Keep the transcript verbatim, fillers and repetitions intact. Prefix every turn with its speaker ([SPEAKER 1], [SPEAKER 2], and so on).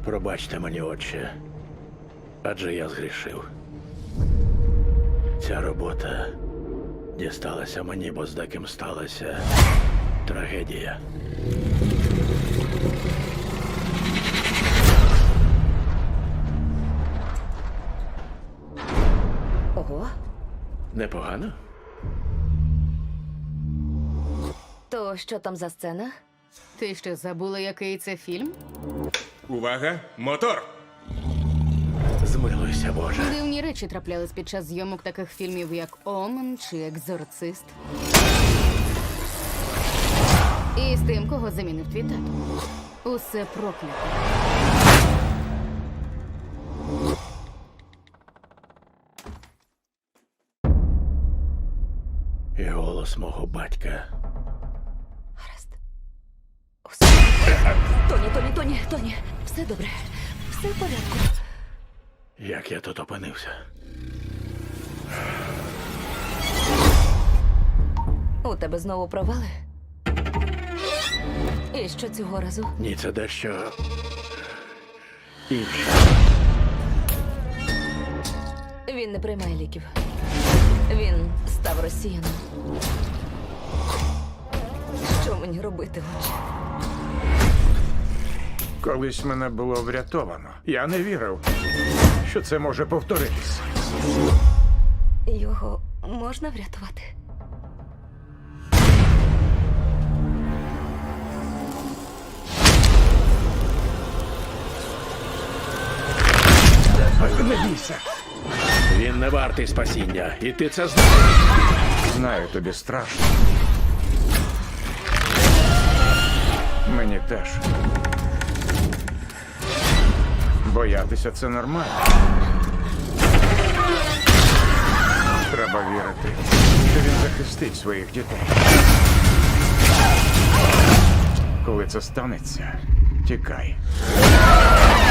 [SPEAKER 1] Пробачте мені, отче, адже я згрішив. Ця робота дісталася мені, бо з деким сталася трагедія.
[SPEAKER 2] Ого.
[SPEAKER 1] Непогано?
[SPEAKER 2] То що там за сцена?
[SPEAKER 3] Ти що, забула, який це фільм?
[SPEAKER 4] Увага! Мотор!
[SPEAKER 1] Змилуйся, Боже.
[SPEAKER 3] Дивні речі траплялись під час зйомок таких фільмів, як Омен чи Екзорцист. І з тим, кого замінив твій тато. Усе проклято.
[SPEAKER 1] І голос мого батька.
[SPEAKER 2] Гаразд. Усе. Тоні, Тоні, Тоні, Тоні. Все добре. Все в порядку.
[SPEAKER 1] Як я тут опинився?
[SPEAKER 2] У тебе знову провали? І що цього разу?
[SPEAKER 1] Ні, це дещо інше.
[SPEAKER 2] Він не приймає ліків. Він став росіяном. Що мені робити, отче?
[SPEAKER 5] Колись мене було врятовано. Я не вірив, що це може повторитись.
[SPEAKER 2] Його можна врятувати?
[SPEAKER 5] Не бійся.
[SPEAKER 1] Він не вартий спасіння, і ти це знаєш.
[SPEAKER 5] Знаю, тобі страшно. Мені теж. Боятися це нормально. Треба вірити, що він захистить своїх дітей. Коли це станеться, тікай.